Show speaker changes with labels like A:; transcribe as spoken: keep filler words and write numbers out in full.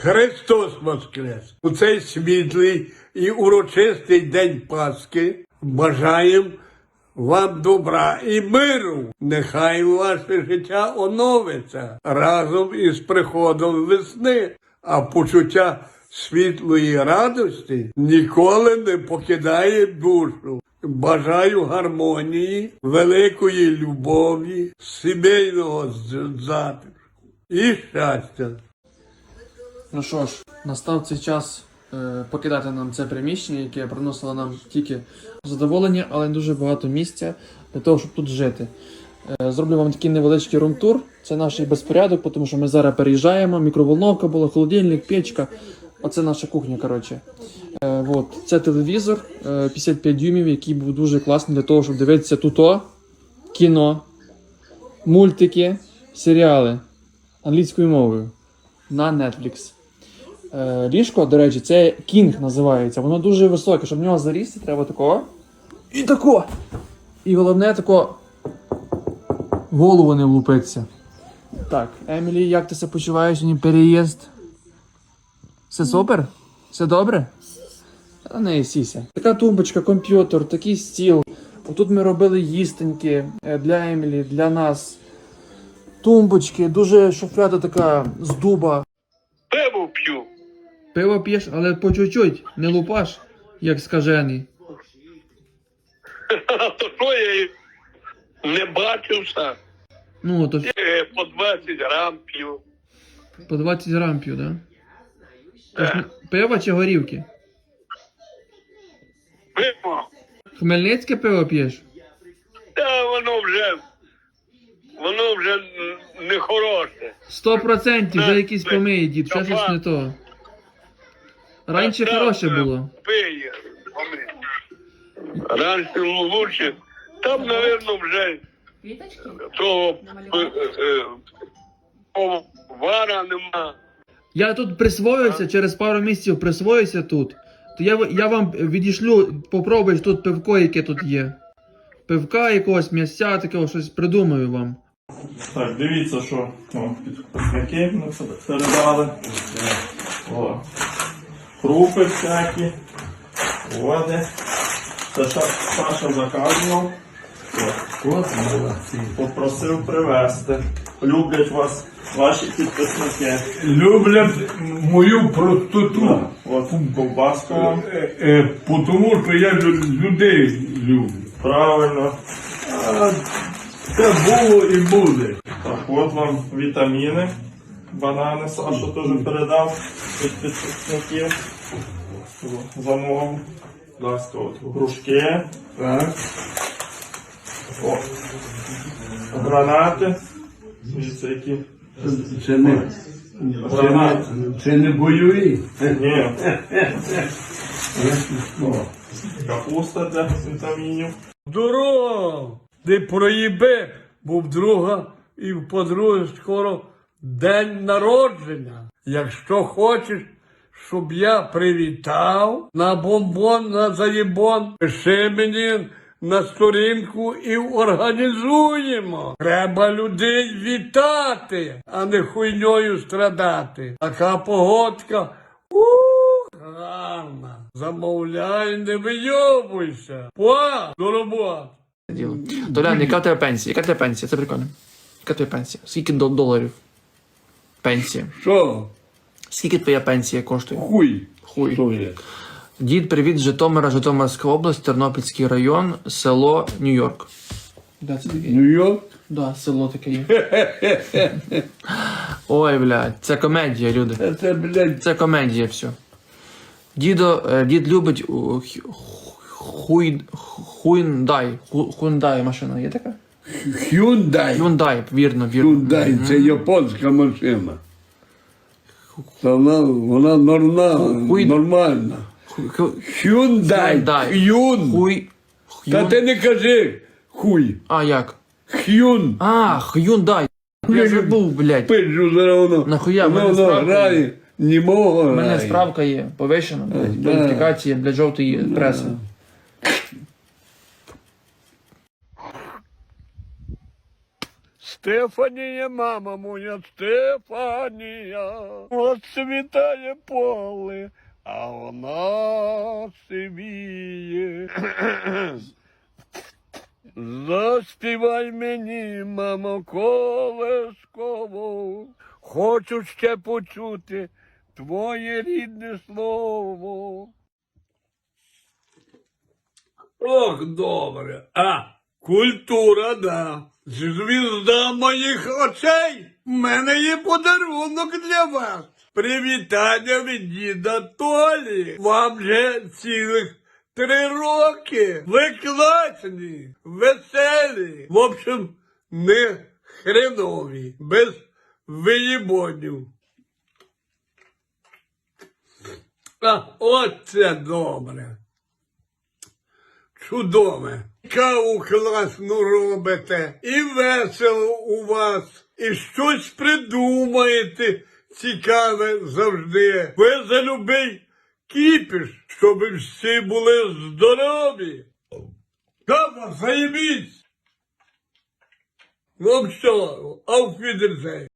A: Христос Воскрес! У цей світлий і урочистий день Пасхи бажаємо вам добра і миру. Нехай ваше життя оновиться разом із приходом весни, а почуття світлої радості ніколи не покидає душу. Бажаю гармонії, великої любові, сімейного затишку і щастя.
B: Ну що ж, настав цей час е, покидати нам це приміщення, яке приносило нам тільки задоволення, але дуже багато місця для того, щоб тут жити. Е, зроблю вам такий невеличкий рум-тур. Це наш безпорядок, тому що ми зараз переїжджаємо. Мікроволновка була, холодильник, печка. Оце наша кухня, коротше. Е, от. Це телевізор е, п'ятдесят п'ять дюймів, який був дуже класний для того, щоб дивитися тут кіно, мультики, серіали англійською мовою на Netflix. Е, ліжко, до речі, це King називається. Воно дуже високе, щоб в нього залізти, треба такого. І тако. І головне тако голову не влупиться. Так, Емілі, як ти себе почуваєш? Сьогодні переїзд? Все супер? Все добре? Та не сіся. Така тумбочка, комп'ютер, такий стіл. Отут ми робили їстеньки для Емілі, для нас. Тумбочки, дуже шуфляда така з дуба.
C: Пиво п'ю.
B: Пиво п'єш, але по чуть-чуть, не лупаш, як скажений.
C: То що я і не бачився?
B: Ну, то
C: Е, По двадцять грам п'ю.
B: по двадцять грам п'ю, да? Тож, пиво чи горівки?
C: Пиво.
B: Хмельницьке пиво п'єш?
C: Та воно вже, воно вже не хороше.
B: Сто процентів, вже якісь помиє, дід, ще щось не то. Раніше
C: Та,
B: хороше
C: та,
B: було.
C: Пиє. Раніше лучше. Там, мабуть, вже того е, е, повара нема.
B: Я тут присвоюся, через пару місяців присвоюся тут. То я, я вам відійшлю, попробуєш тут пивко, яке тут є. Пивка якогось, м'ясця, такого, щось придумаю вам.
D: Так, дивіться, що о, підписники ми це передали. О. Крупи всякі, води. Це Саша заказував. О. Попросив привезти. Люблять вас ваші підписники.
A: Люблять мою простоту,
D: От ковбаска вам.
A: е, е, тому що я лю- людей люблю.
D: Правильно.
A: А це було і буде.
D: Так, от вам вітаміни. Банани Саша теж передав від підписників. Замовив. Будь ласка, от грушки.
A: Так.
D: О. Гранати. Дивіться, які.
A: Це не, це не, це не бойові.
D: Ні. О. Капуста для вітамінів.
A: Здорово! Ти проїби, бо в друга і в подруги скоро день народження. Якщо хочеш, щоб я привітав на бомбон, на заєбон, пиши мені на сторінку і організуємо. Треба людей вітати, а не хуйньою страдати. Така погодка. Ух, гарна. Замовляй, не вийобуйся. Па, до роботи.
B: Діло. Толян, яка в тебе пенсія? Яка в тебе пенсія? Це прикольно. Яка в тебе пенсія? Скільки дол- доларів? Пенсія.
A: Що?
B: Скільки твоя пенсія коштує?
A: Хуй.
B: Хуй.
A: Що є?
B: Дід, привіт з Житомира, Житомирська область, Тернопільський район, село Нью-Йорк. Да, це таке.
A: Нью-Йорк?
B: Да, село таке є. Ой, блядь, це комедія, люди.
A: Це, блядь,
B: Це комедія, все. Дідо, е, дід любить у, хю- хуй, хуйндай, ху- хундай машина є така?
A: Hyundai.
B: Hyundai, вірно, вірно.
A: Hyundai, це японська машина. Та вона, вона норма,
B: Хуй-
A: нормальна.
B: Ху- ху-
A: Hyundai.
B: Hyundai.
A: Hyun.
B: Хуй,
A: Та
B: хюн.
A: ти не кажи хуй.
B: А, як?
A: Hyun.
B: А, Hyundai. Я забув, блядь.
A: Пиджу зараз воно.
B: Нахуя? В
A: Воно,
B: мене
A: воно
B: справка
A: грає.
B: є.
A: Німого
B: У мене
A: грає.
B: справка є, повищена, блядь,
A: Да.
B: кваліфікація для жовтої преси.
A: Стефанія, мама моя, Стефанія, оцвітає поле, а вона сивіє. Заспівай мені, мамо, колесково, хочу ще почути твоє рідне слово. Ох, добре. А, культура, да. Звізда моїх очей. В мене є подарунок для вас. Привітання від діда Толі. Вам же цілих три роки. Ви класні, веселі. В общем, не хренові. Без виїбонів. А, оце добре. Чудове. Каву класну робите, і весело у вас, і щось придумаєте цікаве завжди. Ви за любий кіпіш, щоб всі були здорові. Кава, заєбісь! Ну все, auf Wiedersehen.